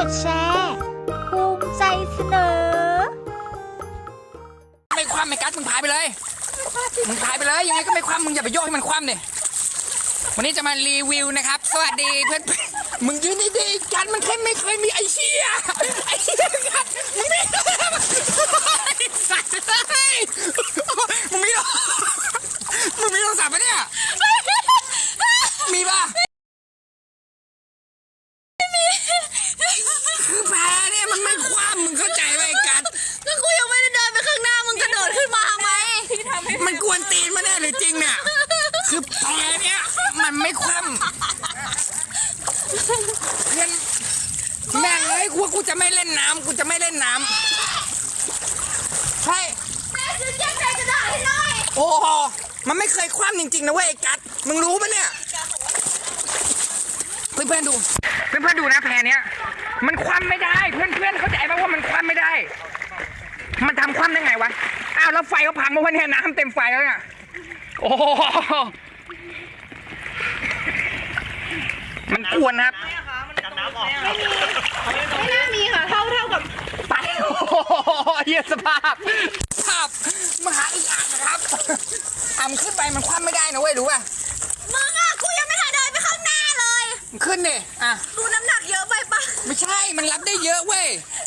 ดแชร์ภูมิใจเสนอไม่คว่ำไม่กัดมึงพายไปเลยมึงพายไปเลยยังไงก็ไม่คว่ำมึงอย่าไปโยกให้มันคว่ำดิวันนี้จะมารีวิวนะครับสวัสดีเพื่อนมึงยืนดีๆกันมันแค่ไม่เคยมีไอเชี่ยกันมึงไม่สัตว์เลยมึงไม่โทรศัพท์ปะเนี่ยมีป่ะคือแพ้เนี่ยมันไม่คว่ำมึงเข้าใจไหมกันก็กูยังไม่ได้เดินไปข้างหน้ามึงกระโดดขึ้นมาทำไมมันกวนตีนมาแน่หรือจริงเนี่ยคือแพ้เนี่ยมันไม่คว่ำเพื่อนแม่งเลยกูจะไม่เล่นน้ำใช่แม่ซื้อแก้วใจกระดาษให้หน่อยโอ้โหมันไม่เคยคว่ำจริงๆนะเว้ยไอ้กัดมึงรู้ปะเนี่ยเพื่อนๆดูนะแพเนี้ยมันคว่ำไม่ได้เพื่อนๆเข้าใจป่ะว่ามันคว่ำไม่ได้มันทำคว่ำได้ไงวะอ้าวแล้วไฟก็พังมาวันนี้น้ำเต็มไฟแล้วเนี่ยโอ้มันกวนครับไม่น่ามีค่ะเท่ากับไปโอ้เหี้ยสภาพมหาอีกอ่างนะครับขึ้นไปมันคว่ำไม่ได้นะเว้ยรู้ป่ะมึงอ่ะกูยังไม่ทันเดินไปข้างหน้าเลยขึ้นดิดูน้ำหนักเยอะไปปะไม่ใช่มันรับได้เยอะเว้ย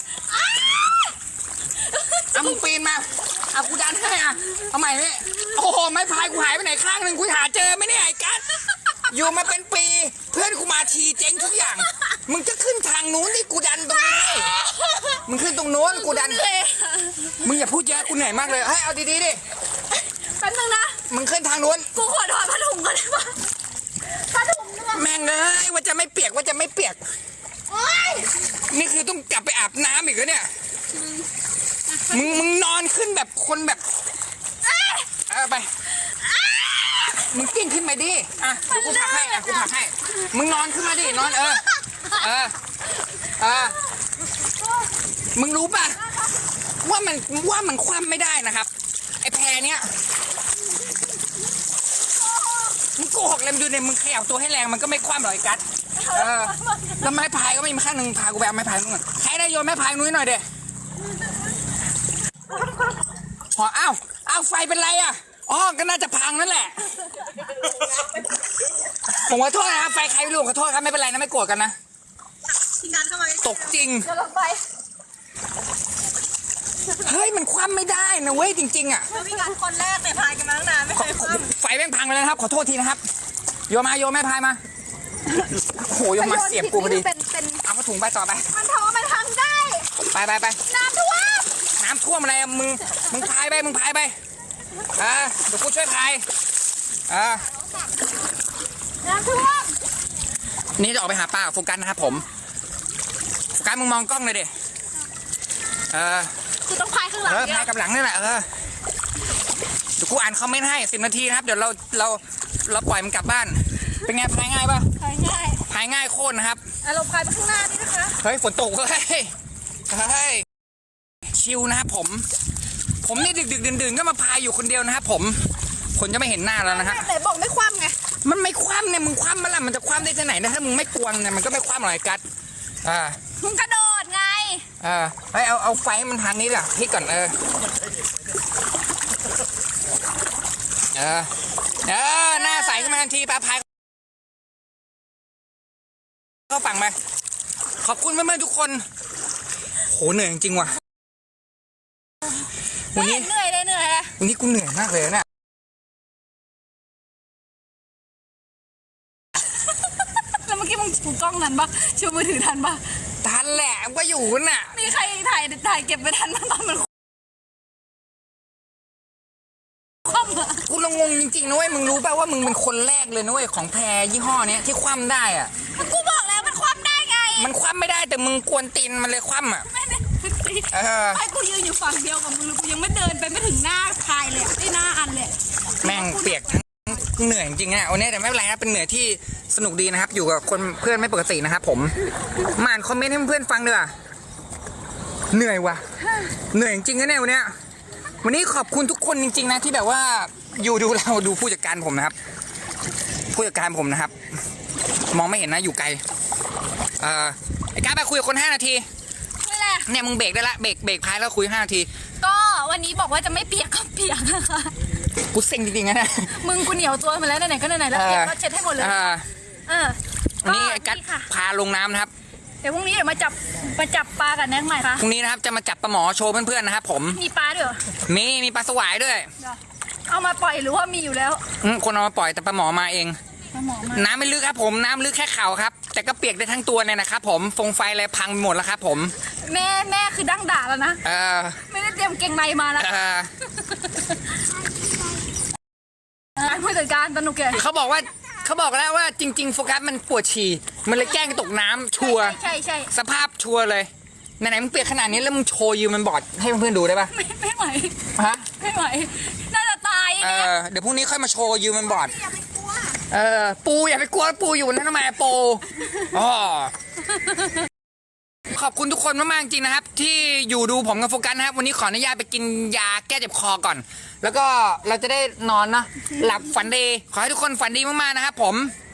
มึงปีนมากูดันให้เอาใหม่นี่โอ้โหไม้พายกูหายไปไหนข้างหนึ่งกูหาเจอไหมเนี่ยไอ้กัสอยู่มาเป็นปีเพื่อนกูมาทีเจ๊งทุกอย่างมึงจะขึ้นทางนู้นนี่กูดันตรงนี้มึงขึ้นตรงโน้นกูดันมึงอย่าพูดเยอะกูเหนื่อยมากเลยให้เอาดีๆดิแป๊บนึงนะมึงขึ้นทางนู้นกูขอถอดผ้าถุงก่อนได้ปะผ้าถุงแม่งเลยว่าจะไม่เปียกนี่คือต้องกลับไปอาบน้ำอีกแล้วเนี่ยมึงนอนขึ้นแบบคนแบบไปมึงกิ้งขึ้นไปดิเดี๋ยวกูผลักให้มึงนอนขึ้นมาดินอนมึงรู้ป่ะว่ามันคว่ำไม่ได้นะครับไอ้แพเนี้ยมึงโกหกเลยดูเนี่ยมึงขยับตัวให้แรงมันก็ไม่คว่ำหรอกไอ้กัสแล้วไม้พายก็ไม่มีข้างหนึ่งพากูไปเอาไม้พายมึงก่อนใครได้โยนไม้พายนุ้ยหน่อยเด้อ้าวไฟเป็นไรก็น่าจะพังนั่นแหละผมขอโทษนะครับไฟใครไม่รู้ขอโทษครับไม่เป็นไรนะไม่โกรธกันนะตกจริงเฮ้ยมันคว่ำไม่ได้นะเว้ยจริงๆแล้วพี่การคนแรกเนี่ยพายกันมาตั้งนานไม่เคยคว่ำไฟแม่งพังไปแล้วนะครับขอโทษทีนะครับโยนแม่พายมาโหโยนมาเสียบกูพอดีเอามาถุงไปต่อไปมันทำได้ไปน้ำท่วมอะไรมึงพายไปเดี๋ยวกูช่วยพายน้ำท่วมนี่จะออกไปหาปลาโฟกัสนะครับผมโฟกัสมึงมองกล้องเลยดิคือต้องพายข้างหลังพายกับหลังนี่แหละเดี๋ยวกูอ่านคอมเมนต์ให้10 นาทีนะครับเดี๋ยวเราปล่อยมันกลับบ้านเป็นไงพายง่ายป่ะพายง่ายโคตรนะครับเราพายไปข้างหน้านี่นะคะเฮ้ยฝนตกเฮ้ยชิลนะครับผมนี่ดึกดื่นก็มาพายอยู่คนเดียวนะครับคนจะไม่เห็นหน้าแล้วนะฮะไหนบอกไม่คว่ำไงมันไม่คว่ำเนี่ยมึงคว่ำมันละมันจะคว่ำได้ที่ไหนนะถ้ามึงไม่กวงเนี่ยมันก็ไม่คว่ำหรอกกัดมึงกระโดดไงให้เอาไฟมันทางนี้ล่ะพี่ก่อนหน้าใสขึ้นมาทันทีปลาพายเข้าฝั่งไปขอบคุณเพื่อนๆทุกคนโหเหนื่อยจริงว่ะวันนี้เหนื่อยวันนี้กูเหนื่อยมากเลยนะแล้วเมื่อกี้มึงถือกล้องทันปะชูมือถือทันปะทันแหละก็อยู่น่ะมีใครถ่ายเก็บไปทันบ้างตอนมันคว่ำกูงงจริงๆนะเว้ยมึงรู้ป่ะว่ามึงเป็นคนแรกเลยนะเว้ยของแพรยี่ห้อนี้ที่คว่ำได้กูบอกแล้วมันคว่ำได้ไงมันคว่ำไม่ได้แต่มึงกวนตีนมันเลยคว่ำไอ้กูยืนอยู่ฝั่งเดียวกับมึงกูยังไม่เดินไปไม่ถึงหน้าพายเลยไอ้หน้าอันเลยแม่งเปียกทั้งเหนื่อยจริงๆวันนี้แต่ไม่เป็นไรนะเป็นเหนื่อยที่สนุกดีนะครับอยู่กับคนเพื่อนไม่ปกตินะครับผมมาอ่านคอมเมนต์ให้เพื่อนฟังด้วยเหนื่อยว่ะเหนื่อยจริงๆนะเนี่ยวันนี้ขอบคุณทุกคนจริงๆนะที่แบบว่าอยู่ดูเราดูผู้จัดการผมนะครับมองไม่เห็นนะอยู่ไกลไอ้กราฟไปคุยกับคน5 นาทีนี่แหละเนี่ยมึงเบรกได้ละเบรกพายแล้วคุย5 นาทีก็วันนี้บอกว่าจะไม่เปียกก็เปียกนะคะกูเซ็งจริงๆนะเนี่ยมึงกูเหนียวตัวมาแล้วไหนๆก็ไหนๆแล้วเปียกก็เช็ดให้หมดเลยวันนี้กัดค่ะพาลงน้ำนะครับเดี๋ยวพรุ่งนี้เดี๋ยวมาจับปลากับแน็กใหม่ค่ะพรุ่งนี้นะครับจะมาจับปลาหมอโชว์เพื่อนๆนะครับผมมีปลาด้วยเหรอมีปลาสวายด้วยเอามาปล่อยหรือว่ามีอยู่แล้วคนเอามาปล่อยแต่ปลาหมอมาเองปลาหมอมาน้ำไม่ลึกครับผมน้ำลึกแค่เข่าครับแต่ก็เปียกได้ทั้งตัวเนี่ยนะครับผมฟงไฟอะไรพังไปหมดแล้วครับผมแม่คือดั้งด่าแล้วนะเออไม่ได้เตรียมเกงในมานะผู้จัดการสนุกแกเขาบอกแล้วว่าจริง ๆ โฟกัสมันปวดฉี่มันเลยแกล้งตกน้ำชัวร์ใช่สภาพชัวร์เลยไหนๆมึงเปียกขนาดนี้แล้วมึงโชว์ยืมมันบอร์ดให้เพื่อนๆดูได้ปะไม่ไหวฮะไม่ไหวน่าจะตายเดี๋ยวพรุ่งนี้ค่อยมาโชว์ยืมมันบอร์ดปูอย่าไปกลัวปูอยู่นั่นทำไมปูอ๋อขอบคุณทุกคนมากๆจริงนะครับที่อยู่ดูผมกับโฟกัสนะครับวันนี้ขออนุญาตไปกินยาแก้เจ็บคอก่อน แล้วก็เราจะได้นอนนะหลับฝันดีขอให้ทุกคนฝันดีมากๆนะครับผม